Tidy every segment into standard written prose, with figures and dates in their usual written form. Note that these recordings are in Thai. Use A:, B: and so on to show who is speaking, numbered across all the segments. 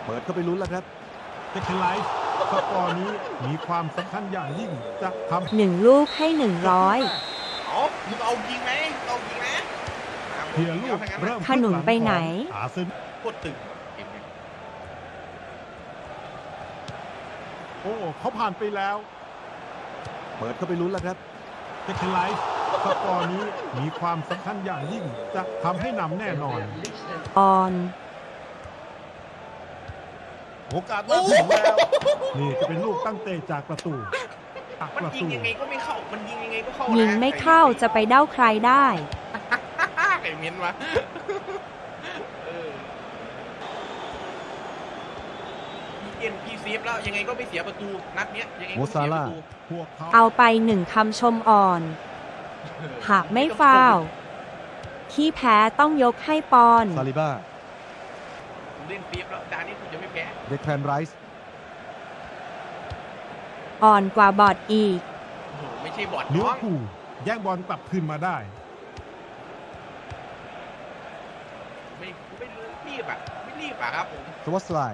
A: เปิดเข้าไปลุ้นแล้วครับ
B: เทคไลฟ์สกอร์นี้มีความสำคัญอย่างยิ่งจะทำ
C: 1 ลูกให้ 100
D: เอามึงเอายิงไหมเอายิงนะ
B: เพียลูกเริ่ม
C: ขนุนไปไหน
B: อาเซน
D: โคตรตึงเกมนี้
B: โอ้เขาผ่านไปแล้ว
A: เปิดเข้าไปลุ้นแล้วครับ
B: เทคไลฟ์สกอร์นี้มีความสำคัญอย่างยิ่งจะทำให้นำแน่นอน
C: ออน
B: โอกาสมาถึงแล้ว นี่จะเป็นลูกตั้งเตะจากประตูจาก
D: มัน
B: ประ
D: ยิง
B: ตู
D: ยังไงก็ไม่เข้ามันยิงยังไงก็เข้า
C: ยิ
D: ยิ
C: งไม่เข้าจะไปเด้าใครได้
D: ไอ้เมียนวะเอ็นพีเซฟแล้วยังไงก็ไม่เสียประตูนัดเนี้ยยังไงก็ไม่เสียประตู
B: พวกเขา
C: เอาไป1 คำชมอ่อน หากไม่ฟาวล์ขี้แพ้ต้องยกให้ปอน
A: ซาลิบ้า
D: ผมเล่นเซฟแล้วจานนี้ผมจะไม่แพ้
A: เดคแพนไรส์
C: อ่อนกว่าบอดอีก
D: โอ้โหไม่ใช่บอด
B: เลี้ยว
D: น้อง
B: ผูแย่งบอลกลับคืนมาได้
D: ไม่รีบอ่ะไม่รีบอ่ะครับผม
A: สวัสไลด์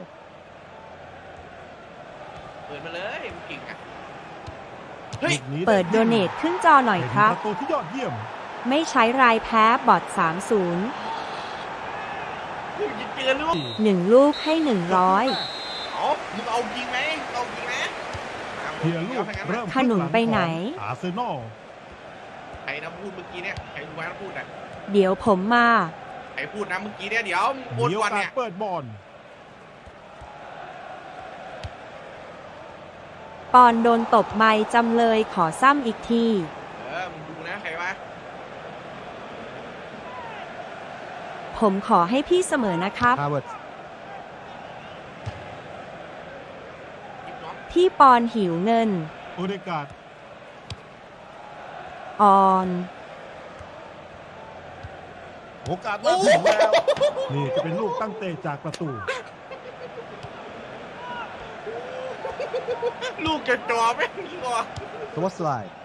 D: เปิดมาเลยมันเก่งอ่ะเฮ้ย
B: ลูกนี้
C: เปิดโดเนทขึ้นจอหน่อยครับ
B: เป็นประตูที่ยอดเยี่ยม
C: ไม่ใช้รายแพ้บอด 30
D: กูจะเจอลูก
C: 1 ลูกให้ 100
D: เอามึงเอายิงไหมเอายิงนะ
B: เพียลูกเริ่ม
C: ขนุนไปไหน
B: อาร์เซนอล
D: ใครนะพูดเมื่อกี้เนี่ยใครรู้ว่าพูดอ่ะ
C: เดี๋ยวผมมา
D: ใครพูดนะเมื่อกี้เนี่ยเดี๋ยวโอน
B: มีโอ
D: ก่อน
B: กา
D: เนี่
B: ส
D: ย
B: เปิดบอล
C: ปอนโดนตบไม้จำเลยขอซ้ำอีกที
D: มึงดูนะใครวะ
C: ผมขอให้พี่เสมอนะครับ
A: ฮาร์วาร์ด
D: ยิบน้อง
C: พี่ปอนหิวเงิน
B: โอเดกาด
C: ออน
B: โอกาสมาถึงแล้ว นี่จะเป็นลูกตั้งเตะจากประตู
D: ลูกจะจ่อไหมยิงออก
A: สวัสไลด์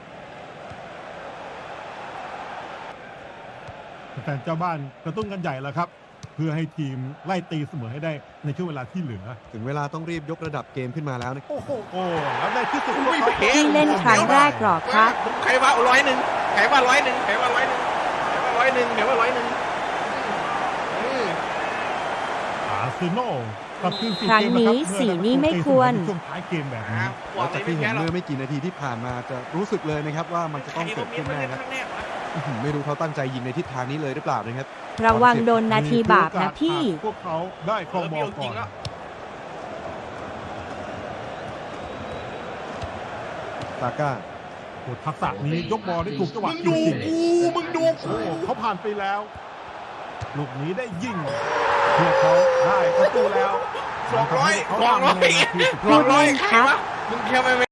B: แฟนเจ้าบ้านกระตุ้นกันใหญ่แล้วครับ เพื่อให้ทีมไล่ตีเสมอให้ได้ในช่วงเวลาที่เหลือ
A: ถึงเวลาต้องรีบยกระดับเกมขึ้นมาแล้วนะ
B: โอ้โหแล้วในที่สุด
D: ไม่
B: พวก
D: แพ้
C: พี่เล่นครั้งแรกหรอครับ
D: ใครว่า100ใครว่า100ใครว่า100ใครว่า100ใครว่า100
B: อาร์เซนอลกลับคืนสู่
C: ครั้ง
B: เกม
C: นี้
B: ะครับ
C: สีนี้ไม่ควร
B: ช่วงท้ายเกมแบบนี้
A: หลังจากที่เห็นเมื่อไม่กี่นาทีที่ผ่านมาจะรู้สึกเลยนะครับว่ามันจะ
D: ใคร
A: ต้องเกิ
D: ก็
A: ด
D: มี
A: ขึ้น
D: มัน
A: แน่
D: เล่น
A: ครับ
D: ครั้งแรกวะ
A: ไม่รู้เขาตั้งใจยิงในทิศทางนี้เลยหรือเปล่านะครับ
C: ระวังโดนนาทีบาปนะพี่
B: พวกเขาได้ครองบอลก่อน
A: ซาก้า
B: โอ้ทักษะนี้ยกบอลได้ถูกจังห
D: มึ
B: วะ
D: ง
B: จ
D: ดู
B: ริง
D: กูมึงดู
B: ๆ
D: กู
B: โอ้เขาผ่านไปแล้ว ลูกนี้ได้ยิงพวกเขาได้ประตูแล้ว
D: 200
B: เขาทำในนาทีสุดท้าย
C: พูดเล่นครับ
D: มึงเทียบไปไหม